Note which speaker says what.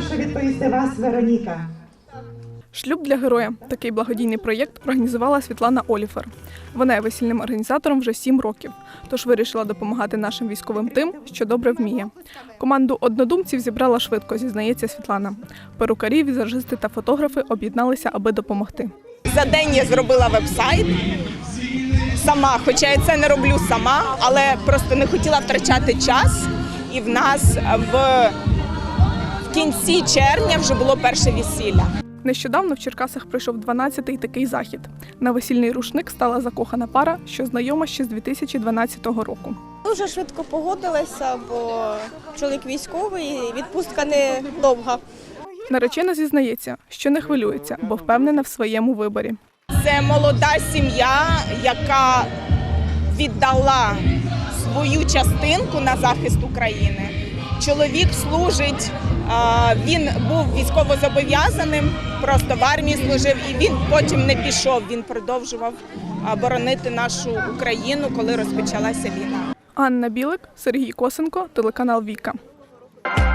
Speaker 1: прошу відповісти вас, Вероніка.
Speaker 2: «Шлюб для героя» – такий благодійний проєкт організувала Світлана Оліфер. Вона є весільним організатором вже 7 років, тож вирішила допомагати нашим військовим тим, що добре вміє. Команду однодумців зібрала швидко, зізнається Світлана. Перукарі, візажисти та фотографи об'єдналися, аби допомогти.
Speaker 3: За день я зробила веб-сайт сама, хоча я це не роблю сама, але просто не хотіла втрачати час. І в нас в кінці червня вже було перше весілля.
Speaker 2: Нещодавно в Черкасах пройшов 12-й такий захід. На весільний рушник стала закохана пара, що знайома ще з 2012 року.
Speaker 4: Дуже швидко погодилася, бо чоловік військовий, і відпустка не довга.
Speaker 2: Наречена зізнається, що не хвилюється, бо впевнена в своєму виборі.
Speaker 3: Це молода сім'я, яка віддала свою частинку на захист України. Чоловік служить, він був військовозобов'язаним, просто в армії служив, і він потім не пішов, він продовжував боронити нашу Україну, коли розпочалася війна.
Speaker 2: Анна Білик, Сергій Косенко, телеканал «Віка».